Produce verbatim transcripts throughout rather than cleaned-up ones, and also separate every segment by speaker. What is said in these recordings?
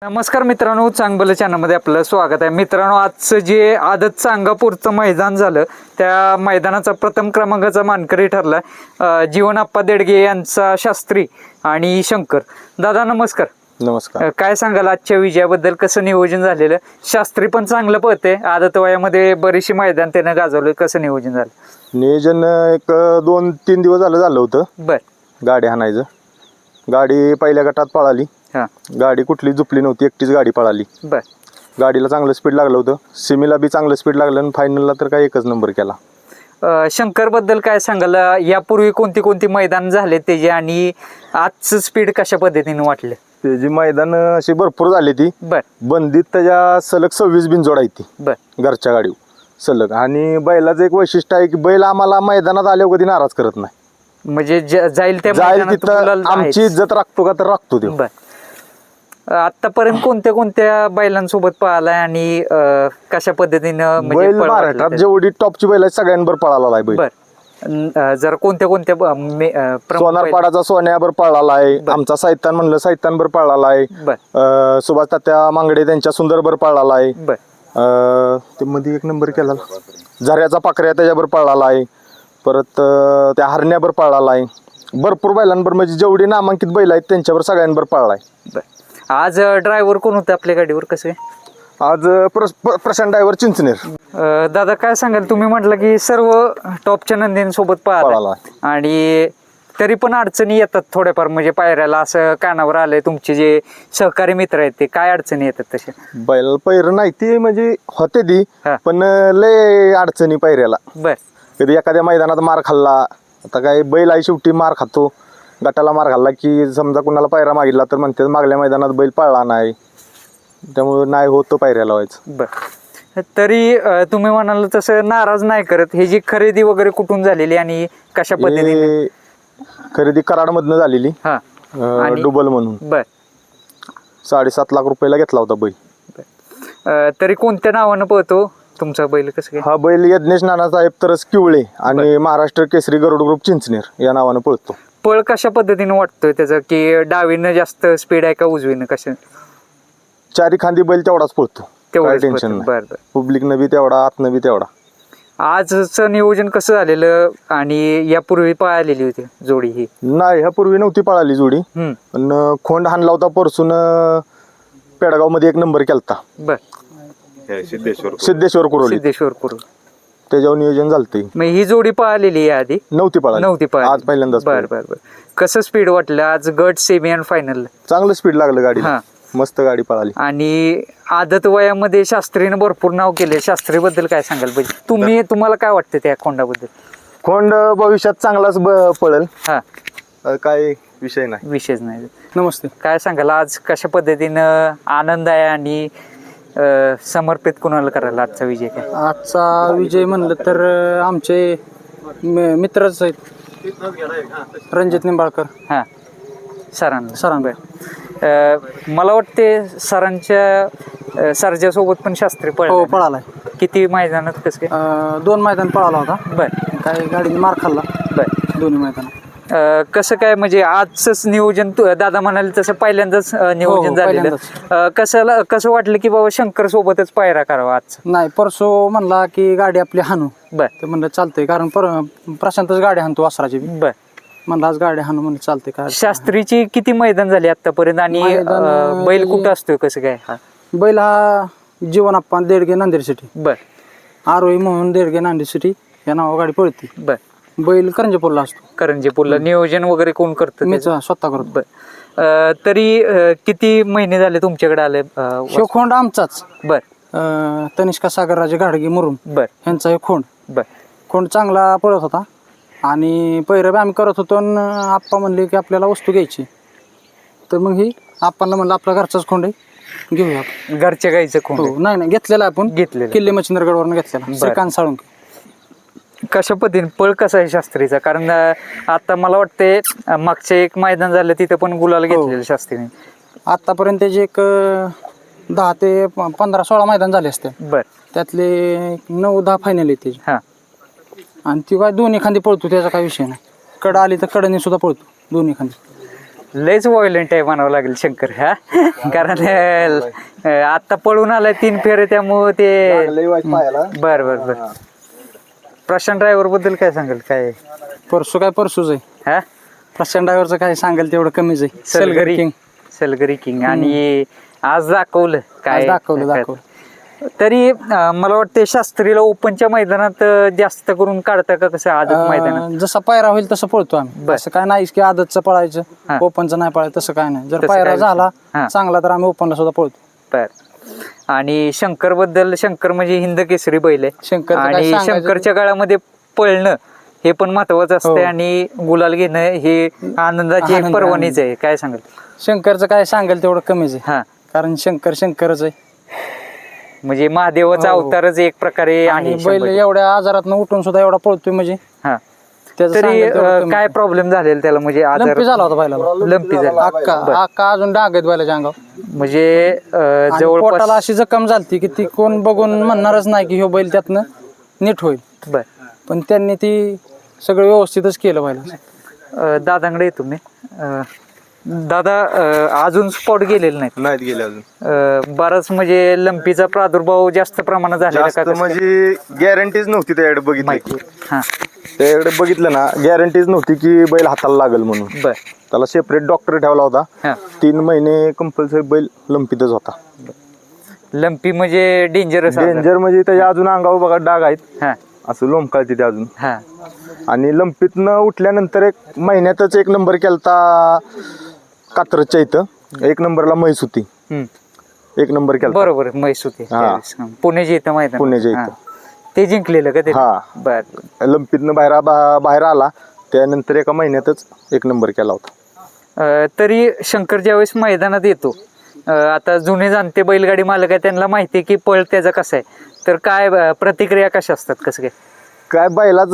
Speaker 1: नमस्कार मित्रांनो, चांगलं चॅनलमध्ये आपलं स्वागत आहे. मित्रांनो, आजचं जे आदत सांगापूरचं मैदान झालं त्या मैदानाचा प्रथम क्रमांकाचा मानकरी ठरला अं, जीवनाप्पा देडगे यांचा शास्त्री आणि शंकर. दादा नमस्कार.
Speaker 2: नमस्कार.
Speaker 1: अं, काय सांगाल आजच्या विजयाबद्दल? कसं नियोजन झालेलं? शास्त्री पण चांगलं पळते, आदत वयामध्ये बरीचशी मैदान त्यानं गाजवलं. कसं नियोजन झालं?
Speaker 2: नियोजन एक दोन तीन दिवस झालं झालं होतं.
Speaker 1: बर.
Speaker 2: गाडी हाणायचं. गाडी पहिल्या गटात पळाली.
Speaker 1: हां.
Speaker 2: गाडी कुठली झुपली नव्हती, एकटीच गाडी पळाली.
Speaker 1: बर.
Speaker 2: गाडीला चांगलं स्पीड लागलं होतं. सिमीला बी चांगलं स्पीड लागलं आणि फायनलला तर काय एकच नंबर केला.
Speaker 1: अं, शंकर बद्दल काय सांगाल? यापूर्वी कोणती कोणती मैदान झाले त्याचे आणि आजचं स्पीड कशा पद्धतीने वाटलं?
Speaker 2: त्याची मैदान अशी भरपूर झाली ती.
Speaker 1: बर.
Speaker 2: बंदीत त्याच्या सलग सव्वीस बिनजोड आहे ती
Speaker 1: बर.
Speaker 2: घरच्या गाडीवर सलग. आणि बैलाचं एक वैशिष्ट्य आहे की बैल आम्हाला मैदानात आल्यावर कधी नाराज करत नाही.
Speaker 1: म्हणजे ज- जाईल त्या
Speaker 2: जाईल
Speaker 1: मैदानात
Speaker 2: तिथं
Speaker 1: गुलाल
Speaker 2: आमची
Speaker 1: आहेच.
Speaker 2: इज्जत राखतो का तर राखतो ते.
Speaker 1: बर. आतापर्यंत कोणत्या कोणत्या बैलांसोबत पळालाय आणि अं, कशा पद्धतीनं म्हणजे
Speaker 2: बैल
Speaker 1: पळ वाटलं
Speaker 2: महाराष्ट्रात
Speaker 1: ते?
Speaker 2: जेवढी टॉपची बैल आहेत सगळ्यांवर पळाला आहे बैल.
Speaker 1: बर. अं, जर कोणत्या कोणत्या ब- मे- अं, प्रमुख बैल-
Speaker 2: सोनारपाडाचा सोन्यावर पळाला आहे. आमचा साहित्यान म्हणलं साहित्यांवर पळाला आहे.
Speaker 1: बर.
Speaker 2: अं, सुभाष तात्या मांगडे त्यांच्या सुंदरभर पळाला आहे.
Speaker 1: बर.
Speaker 2: अं, ते मध्ये एक नंबर केला झऱ्याचा पाकऱ्या त्याच्यावर पळाला आहे. परत अं, त्या हरण्यावर पळाला आहे. भरपूर बैलांवर म्हणजे जेवढी नामांकित बैल आहेत त्यांच्यावर सगळ्यांवर पळाला आहे.
Speaker 1: बर. आज ड्रायव्हर कोण होतं आपल्या गाडीवर? कसं आहे?
Speaker 2: आज अं, प्र- प्र- प्रशांत ड्रायव्हर चिंचनेर
Speaker 1: अं, दादा काय सांगाल? तुम्ही म्हटलं की सर्व टॉपच्या नंदींसोबत पळाला
Speaker 2: पळाला.
Speaker 1: आणि तरी पण अडचणी येतात थोड्याफार, म्हणजे पायऱ्याला असं कानावर आलंय. तुमचे जे सहकारी मित्र आहेत ते काय अडचणी येतात तशा?
Speaker 2: बैल पैर नाही ती म्हणजे होते ती,
Speaker 1: हा.
Speaker 2: पण अं, लय अडचणी पैऱ्याला.
Speaker 1: बर.
Speaker 2: कधी एखाद्या मैदानात मार खाल्ला, आता काय बैल आहे शेवटी मार खातो. गटाला मार खाल्ला की समजा कुणाला पायरा मागितला तर म्हणते मागल्या मैदानात बैल पळला नाही, त्यामुळे नाही होतं पायऱ्याला व्हायचं.
Speaker 1: बर. तरी अं, तुम्ही म्हणाल तसं नाराज नाही करत. हे जी खरेदी वगैरे कुठून झालेली आणि कशा पद्धतीने?
Speaker 2: हे खरेदी कराडमधनं झालेली.
Speaker 1: हा.
Speaker 2: अं,
Speaker 1: आणि-
Speaker 2: डुबल म्हणून
Speaker 1: बर.
Speaker 2: साडेसात लाख रुपयाला घेतला होता बैल.
Speaker 1: अं, तरी कोणत्या नावानं पळतो तुमचा बैल? कसं काय?
Speaker 2: हा बैल यज्ञेश नानासाहेब तरस किवळे आणि महाराष्ट्र केसरी गरुड ग्रुप चिंचनेर या नावानं पळतो.
Speaker 1: पळ कशा पद्धतीने वाटतोय त्याचं, की डावीनं जास्त स्पीड आहे का उजवीनं? कसं
Speaker 2: चारी खांदी बैल तेवढाच पळतो, काय
Speaker 1: तेवढंच
Speaker 2: टेन्शन
Speaker 1: पळतो.
Speaker 2: नाही.
Speaker 1: बर बर.
Speaker 2: पब्लिकनं बी तेवढा, आतनं बी तेवढा.
Speaker 1: आजचं नियोजन कसं झालेलं आणि यापूर्वी पळालेली होती जोडी ही?
Speaker 2: नाही, ह्यापूर्वी नव्हती पळाली जोडी,
Speaker 1: हम्म.
Speaker 2: पण अं, खोंड हाणला होता परसून. पेडगाव मध्ये एक नंबर केलता
Speaker 1: बर.
Speaker 2: सिद्धेश्वर कुरोली,
Speaker 1: सिद्धेश्वर करू.
Speaker 2: त्याच्यावर नियोजन झालते.
Speaker 1: मग ही जोडी पळालेली आहे आधी?
Speaker 2: नव्हती पळाली,
Speaker 1: नव्हती
Speaker 2: आज
Speaker 1: पळाली.
Speaker 2: पहिल्यांदाच
Speaker 1: बर
Speaker 2: पळाली.
Speaker 1: बर बर. कसं स्पीड वाटलं आज गट, सेमी आणि फायनल?
Speaker 2: चांगलं स्पीड लागलं गाडीला,
Speaker 1: हा.
Speaker 2: मस्त गाडी पळाली.
Speaker 1: आणि आदत वयामध्ये शास्त्रीनं भरपूर नाव केले. शास्त्री बद्दल काय सांगाल पाहिजे? तुम्ही तुम्हाला काय वाटतं त्या खोंडाबद्दल?
Speaker 2: खोंड भविष्यात चांगलाच ब- पळेल,
Speaker 1: हा.
Speaker 2: अं, काय विषय नाही.
Speaker 1: विशेष नाही.
Speaker 3: नमस्ते.
Speaker 1: काय सांगाल आज कशा पद्धतीनं आनंद आहे आणि अं, समर्पित कुणाला करायला आजचा विजय काय?
Speaker 3: आजचा विजय म्हणलं तर अं, आमचे म- मित्रच आहेत, रणजित निंबाळकर
Speaker 1: हां. सरांना
Speaker 3: सरांना.
Speaker 1: अं, मला वाटते सरांच्या अं, सरजासोबत पण शास्त्री
Speaker 3: हो
Speaker 1: पळाला.
Speaker 3: पळालाय.
Speaker 1: किती मैदानात कसं काय?
Speaker 3: अं, दोन मैदान पळाला होता.
Speaker 1: बर
Speaker 3: काही गाडीने मार खाल्ला
Speaker 1: बर.
Speaker 3: दोन्ही मैदान.
Speaker 1: अं, कसं काय म्हणजे आजच नियोजन तू- दादा म्हणाले तसं पहिल्यांदाच अं, नियोजन
Speaker 3: हो,
Speaker 1: झालेलं.
Speaker 3: पहिल्यांदाच.
Speaker 1: अं, कसं कसं वाटलं की बाबा शंकर सोबतच पायरा करावा आज?
Speaker 3: नाही, परसो म्हणला की गाडी आपली हाणू,
Speaker 1: बर
Speaker 3: तर म्हणलं चालतंय, कारण पर प्रशांतच गाडी हाणतो वासराची बी.
Speaker 1: बर.
Speaker 3: म्हणलं आज गाडी हाणू, म्हणलं चालतंय. काय
Speaker 1: शास्त्रीची किती मैदान झाली आतापर्यंत आणि
Speaker 3: मैदान,
Speaker 1: अं, बैल कुठं असतोय कसं काय? हा.
Speaker 3: बैल हा जीवनाप्पा देडगे नांदेड सिटी,
Speaker 1: बर
Speaker 3: आरोही म्हणून देडगे नांदेड सिटी या नावा गाडी पळते.
Speaker 1: बर.
Speaker 3: बैल करंजपूरला असतो.
Speaker 1: करंजीपूरला नियोजन वगैरे कोण करतं
Speaker 3: मीच
Speaker 1: त्याचं?
Speaker 3: स्वतः करतो.
Speaker 1: बर. अं, तरी अं, किती महिने झाले तुमच्याकडे आले? अं,
Speaker 3: शिव खोंड आमचाच,
Speaker 1: बर
Speaker 3: अं, तनिष्का सागरराजे घाडगे मुरुम
Speaker 1: बर
Speaker 3: यांचा हे खोंड.
Speaker 1: बर
Speaker 3: खोंड चांगला पळत होता आणि पैरं बी आम्ही करत होतो आणि आप्पा म्हणले की आपल्याला वस्तू घ्यायची, तर मग ही आप्पांना म्हणलं आपला घरचाच खोंड आहे, घेऊया आपण.
Speaker 1: घरच्या गाईचं कोण?
Speaker 3: हो, नाही नाही घेतलेला आपण,
Speaker 1: घेतलेलं.
Speaker 3: किल्ले मच्छिंद्रगडवरून घेतलेला, श्रीकांत साळुंके.
Speaker 1: कशा पद्धतीने पळ कसा आहे शास्त्रीचा? कारण अं, आता मला वाटते अं, मागचे एक मैदान झालं तिथं पण गुलाल घेतलेलं शास्त्रीने.
Speaker 3: आतापर्यंत त्याचे एक अं, दहा ते प- पंधरा सोळा मैदान झाले असते,
Speaker 1: बर.
Speaker 3: त्यातले एक नऊ दहा फायनल आहेत त्याचे.
Speaker 1: हा.
Speaker 3: आणि ती काय दोन्ही खांदी पळतो, त्याचा काय विषय नाही. कड आली तर कडने सुद्धा पळतो दोन्ही खांदी.
Speaker 1: लयच व्हायलेंट आहे म्हणावं लागेल शंकर हा कारण अं, आता पळून आलाय तीन फेरे त्यामुळं ते बर बर बर प्रशांत ड्रायव्हर बद्दल काय सांगाल काय
Speaker 3: परसू काय परसूच आहे
Speaker 1: हा
Speaker 3: प्रशांत ड्रायव्हरचं काय सांगेल तेवढं कमीच आहे
Speaker 1: सलगरी
Speaker 3: किंग
Speaker 1: सलगरी किंग आणि आज दाखवलं काय
Speaker 3: आज दाखवलं दाखवलं
Speaker 1: तरी अं, मला वाटतं शास्त्रीला ओपनच्या मैदानात अं, जास्त करून काढता का कसं आदत मैदानात
Speaker 3: अं, जसा पायरा होईल तसं पळतो आम्ही
Speaker 1: बर.
Speaker 3: असं काय नाही की आदतचं
Speaker 1: हा.
Speaker 3: पळायचं ओपनचं नाही पळायचं तसं काय नाही जर
Speaker 1: तसं
Speaker 3: पायरा
Speaker 1: काय
Speaker 3: झाला
Speaker 1: हा.
Speaker 3: चांगला तर आम्ही ओपनला सुद्धा पळतो
Speaker 1: बर आणि शंकर बद्दल शंकर म्हणजे हिंद केसरी बैल आहे
Speaker 3: शंकरचं काय
Speaker 1: आणि
Speaker 3: सांगायचं?
Speaker 1: शंकरच्या काळामध्ये पळणं हे पण महत्वाचं असतं
Speaker 3: हो.
Speaker 1: आणि गुलाल घेणं हे आनंदाची एक
Speaker 3: आनंद,
Speaker 1: पर्वणीच आहे काय सांगाल
Speaker 3: शंकरचं काय सांगेल तेवढं कमीच आहे
Speaker 1: हा
Speaker 3: कारण शंकर शंकरच आहे
Speaker 1: म्हणजे महादेवाचा
Speaker 3: हो.
Speaker 1: अवतारच एक प्रकारे
Speaker 3: आणि
Speaker 1: आहे
Speaker 3: बैल
Speaker 1: शंभर.
Speaker 3: एवढ्या आजारात उठून सुद्धा एवढा पळतोय म्हणजे
Speaker 1: हा
Speaker 3: त्याचं
Speaker 1: तरी
Speaker 3: सांगेल तेवढं
Speaker 1: अं,
Speaker 3: कमी.
Speaker 1: काय प्रॉब्लेम झालेला त्याला म्हणजे आजार
Speaker 3: लंपी झाला होता बैलाला
Speaker 1: लंपी झाला
Speaker 3: अक्का अक्का अजून डाग आहेत बैलाच्या अंगावर
Speaker 1: म्हणजे अं,
Speaker 3: आणि
Speaker 1: जवळपास
Speaker 3: पोटाला अशी जखम झालती की ती कोण बघून म्हणणारच नाही की ह्यो बैल त्यातनं नीट होईल
Speaker 1: बर
Speaker 3: पण त्यांनी ती सगळं व्यवस्थितच केलं बैलाचं
Speaker 1: अं, दादांकडे येतो मी अं, दादा अं, अजून स्पॉट गेलेले नाहीत
Speaker 2: नाहीत गेले अजून
Speaker 1: अं, बराच म्हणजे लंपीचा प्रादुर्भाव जास्त प्रमाणात झालेला
Speaker 2: जास्त
Speaker 1: का कसं?
Speaker 2: म्हणजे गॅरंटीज नव्हती त्याकडे बघितलं
Speaker 1: माहिती
Speaker 2: की
Speaker 1: हा
Speaker 2: त्याकडे बघितलं ना गॅरंटीज नव्हती की बैल हाताला लागल म्हणून
Speaker 1: बर
Speaker 2: त्याला सेपरेट डॉक्टर ठेवला होता
Speaker 1: हा
Speaker 2: तीन महिने कंपल्सरी बैल लंपीतच होता
Speaker 1: लंपी म्हणजे डेंजरस
Speaker 2: डेंजर म्हणजे त्याच्या अजून अंगावर बघा डाग आहेत
Speaker 1: हा
Speaker 2: असं लोंबकाळते ते अजून
Speaker 1: हा
Speaker 2: आणि लंपीतनं उठल्यानंतर एक महिन्यातच एक नंबर केलता कात्रजच्या इथं एक नंबरला म्हैस होती
Speaker 1: हम्म.
Speaker 2: एक नंबर केलता
Speaker 1: बरोबर म्हैस होती
Speaker 2: हा.
Speaker 1: त्यावेळेस. हा. पुणे इथं माहिती
Speaker 2: पुण्याच्या इथं.
Speaker 1: ते जिंकलेलं का ते
Speaker 2: हा.
Speaker 1: बर
Speaker 2: लंपीतनं बाहेर बा- बाहेर आला त्यानंतर एका महिन्यातच एक नंबर केला होता
Speaker 1: अं, तरी शंकर ज्यावेळेस मैदानात येतो अं, आता जुने जाणते बैलगाडी मालक आहे त्यांना माहिती आहे की पळ त्याचा कसा आहे तर काय अं, प्रतिक्रिया कशा असतात कसं काय
Speaker 2: काय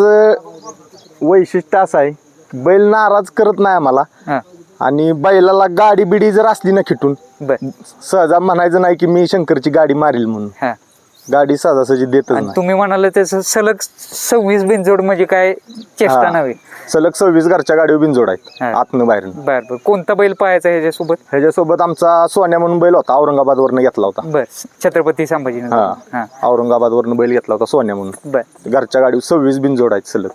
Speaker 2: बैलाचं वैशिष्ट्य असं आहे की बैल नाराज करत नाही आम्हाला
Speaker 1: हा
Speaker 2: आणि बैलाला गाडी बिडी जर असली ना खिटून
Speaker 1: बर
Speaker 2: सहजा म्हणायचं नाही की मी शंकरची गाडी मारील म्हणून
Speaker 1: हा
Speaker 2: गाडी सहजासहजी देतच
Speaker 1: आणि
Speaker 2: नाही
Speaker 1: तुम्ही म्हणाल त्याचं सलग सव्वीस बिनजोड म्हणजे काय चेष्टा
Speaker 2: हा.
Speaker 1: नव्हे
Speaker 2: सलग सव्वीस घरच्या गाडीवर बिनजोड आहेत
Speaker 1: हा.
Speaker 2: आतनं बाहेर
Speaker 1: बर बर कोणता बैल पाहायचा ह्याच्यासोबत
Speaker 2: ह्याच्यासोबत आमचा सोन्या म्हणून बैल होता औरंगाबाद वरनं घेतला होता
Speaker 1: बर छत्रपती संभाजीनगर
Speaker 2: हा
Speaker 1: हा
Speaker 2: औरंगाबाद वरनं बैल घेतला होता सोन्या म्हणून
Speaker 1: बर
Speaker 2: घरच्या गाडीवर सव्वीस बिनजोड आहेत सलग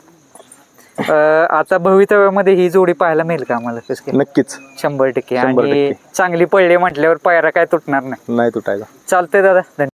Speaker 1: अं, आता भवितव्यामध्ये ही जोडी पाहायला मिळेल का आम्हाला कसं काय
Speaker 2: नक्कीच
Speaker 1: शंभर टक्के
Speaker 2: शंभर
Speaker 1: आणि
Speaker 2: टक्के.
Speaker 1: चांगली पडली म्हटल्यावर पायरा काय तुटणार नाही
Speaker 2: नाही तुटायला
Speaker 1: चालतंय दादा धन्यवाद